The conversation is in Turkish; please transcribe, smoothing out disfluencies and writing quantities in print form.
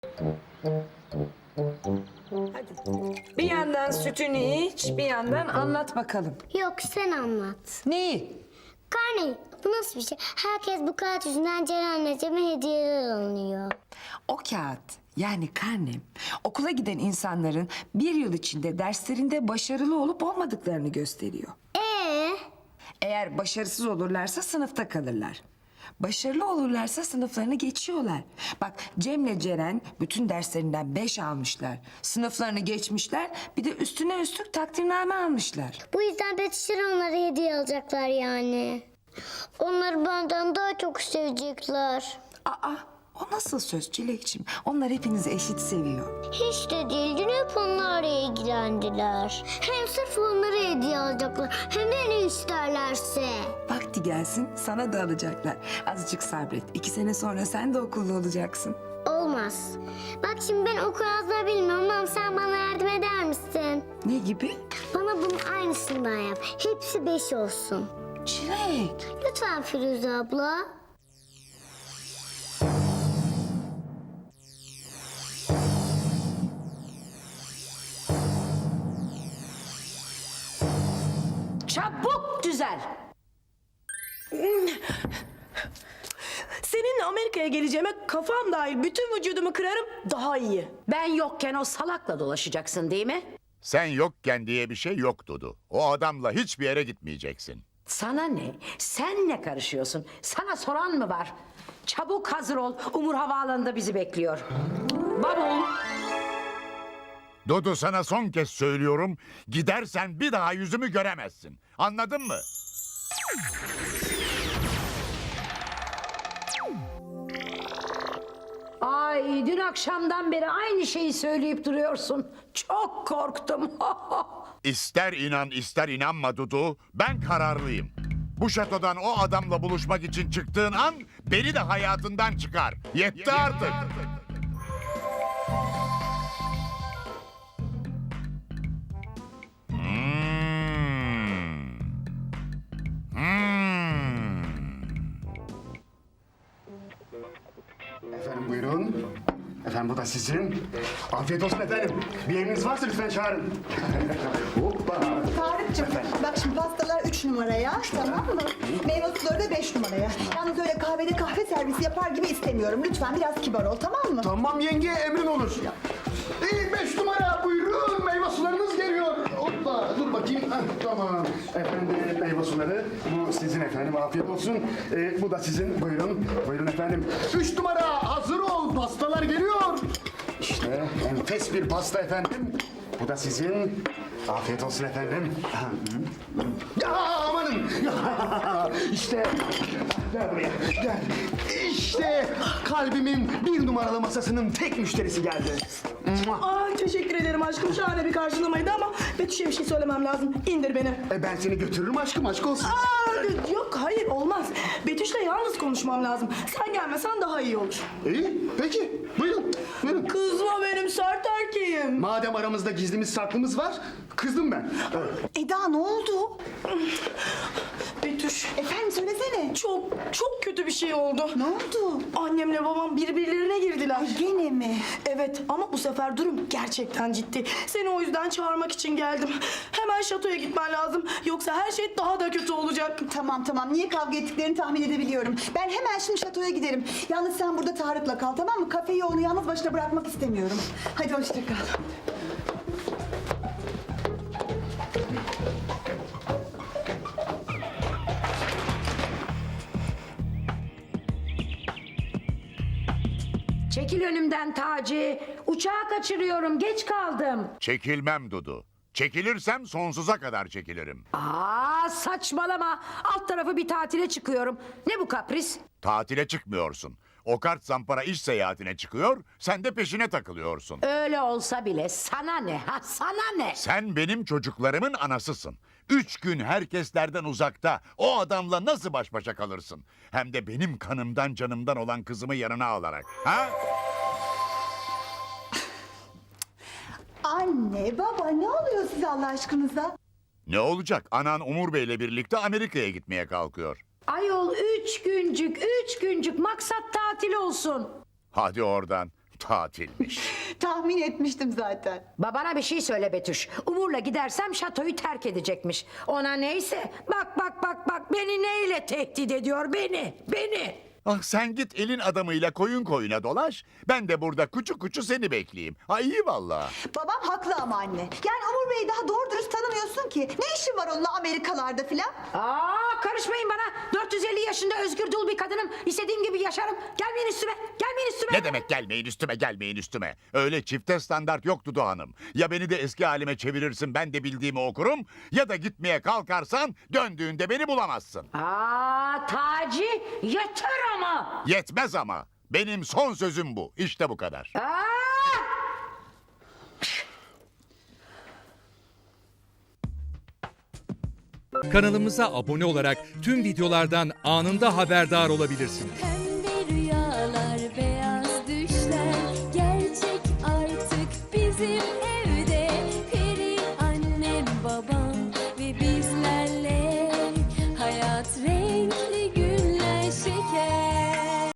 Hadi. Bir yandan sütünü iç, bir yandan anlat bakalım. Yok, sen anlat. Neyi? Karne, bu nasıl bir şey? Herkes bu kağıt yüzünden Ceren Necem'e hediyeler alınıyor. O kağıt, yani karnem, okula giden insanların bir yıl içinde derslerinde başarılı olup olmadıklarını gösteriyor. Eğer başarısız olurlarsa sınıfta kalırlar. Başarılı olurlarsa sınıflarını geçiyorlar. Bak, Cem'le Ceren bütün derslerinden 5 almışlar. Sınıflarını geçmişler, bir de üstüne üstlük takdirname almışlar. Bu yüzden Betüşler onlara hediye alacaklar yani. Onları benden daha çok sevecekler. Aa, o nasıl söz Çilekçim? Onlar hepinizi eşit seviyor. Hiç de değil, dün hep onlarla ilgilendiler. Hem sırf onlara hediye alacaklar, hem de ne isterlerse. Vakti gelsin, sana da alacaklar. Azıcık sabret. 2 sene sonra sen de okulda olacaksın. Olmaz. Bak şimdi ben okul yazmayı bilmiyorum ama sen bana yardım eder misin? Ne gibi? Bana bunun aynısından yap. Hepsi 5 olsun. Çilek. Lütfen Firuze abla. Çabuk düzel. Seninle Amerika'ya geleceğime kafam dahil bütün vücudumu kırarım daha iyi. Ben yokken o salakla dolaşacaksın değil mi? Sen yokken diye bir şey yok Dudu. O adamla hiçbir yere gitmeyeceksin. Sana ne? Sen ne karışıyorsun? Sana soran mı var? Çabuk hazır ol. Umur Havaalanı'nda bizi bekliyor. Bavul. Dudu, sana son kez söylüyorum. Gidersen bir daha yüzümü göremezsin. Anladın mı? Ay, dün akşamdan beri aynı şeyi söyleyip duruyorsun. Çok korktum. İster inan ister inanma Dudu. Ben kararlıyım. Bu şatodan o adamla buluşmak için çıktığın an beni de hayatından çıkar. Yetti artık. Efendim buyurun. Efendim bu da sizin. Afiyet olsun efendim. Bir emriniz varsa lütfen çağırın. Hoppa. Tarık'cığım bak şimdi pastalar 3 numaraya, tamam mı? Meyve suları da 5 numaraya. Yalnız öyle kahvede kahve servisi yapar gibi istemiyorum. Lütfen biraz kibar ol, tamam mı? Tamam yenge, emrin olur. 5 numara buyurun, meyve sularınız geliyor. Hoppa, dur bakayım. Heh, tamam. Efendim meyve suları, bu sizin efendim, afiyet olsun. Bu da sizin, buyurun. Buyurun efendim. 3 numara hazır ol, pastalar geliyor. İşte enfes bir pasta efendim. Bu da sizin. Afiyet olsun efendim. Ya amanın. İşte gel buraya gel. İşte kalbimin 1 numaralı masasının tek müşterisi geldi. Ay teşekkür ederim aşkım, şahane bir karşılamaydı ama Betüş'e bir şey söylemem lazım. İndir beni. Ben seni götürürüm aşkım, aşk olsun. Yok hayır olmaz. Betüş'le yalnız konuşmam lazım. Sen gelmesen daha iyi olur. İyi peki buyurun buyurun. Kızma, benim sert erkeğim. Madem aramızda gizlimiz saklımız var, kızdım ben. Evet. Eda ne oldu? Betüş, Efendim söylesene. çok kötü bir şey oldu. Ne oldu? Annemle babam birbirlerine girdiler. Gene mi? Evet ama bu sefer durum gerçekten ciddi. Seni o yüzden çağırmak için geldim. Hemen şatoya gitmen lazım. Yoksa her şey daha da kötü olacak. Tamam tamam, niye kavga ettiklerini tahmin edebiliyorum. Ben hemen şimdi şatoya giderim. Yalnız sen burada Tarık'la kal, tamam mı? Kafeyi onu yalnız başına bırakmak istemiyorum. Hadi hoşça kal. Çekil önümden Taci. Uçağı kaçırıyorum. Geç kaldım. Çekilmem Dudu. Çekilirsem sonsuza kadar çekilirim. Aa, saçmalama. Alt tarafı bir tatile çıkıyorum. Ne bu kapris? Tatile çıkmıyorsun. O kart zampara iş seyahatine çıkıyor, sen de peşine takılıyorsun. Öyle olsa bile sana ne ha, sana ne? Sen benim çocuklarımın anasısın. 3 gün herkeslerden uzakta o adamla nasıl baş başa kalırsın? Hem de benim kanımdan canımdan olan kızımı yanına alarak. Ha? Anne, baba ne oluyor size Allah aşkınıza? Ne olacak? Anan Umur Bey'le birlikte Amerika'ya gitmeye kalkıyor. Ayol 3 güncük maksat tatil olsun. Hadi oradan. tatilmiş. Tahmin etmiştim zaten. Babana bir şey söyle Betüş. Umur'la gidersem şatoyu terk edecekmiş. Ona neyse. Bak beni neyle tehdit ediyor beni. Ah sen git elin adamıyla koyun koyuna dolaş. Ben de burada kuçu kuçu seni bekleyeyim. Ha iyi vallahi. Babam haklı ama anne. Yani Umur Bey'i daha doğru dürüst tanımıyorsun ki. Ne işin var onunla Amerikalarda filan? Aa, karışmayın bana. 450 yaşında özgür dul bir kadınım. İstediğim gibi yaşarım. Gelmeyin üstüme. Ne demek gelmeyin üstüme. Öyle çifte standart yok Dudu Hanım. Ya beni de eski halime çevirirsin ben de bildiğimi okurum. Ya da gitmeye kalkarsan döndüğünde beni bulamazsın. Aa, Taci yeter ama. Yetmez ama. Benim son sözüm bu. İşte bu kadar. Aa! Kanalımıza abone olarak tüm videolardan anında haberdar olabilirsiniz.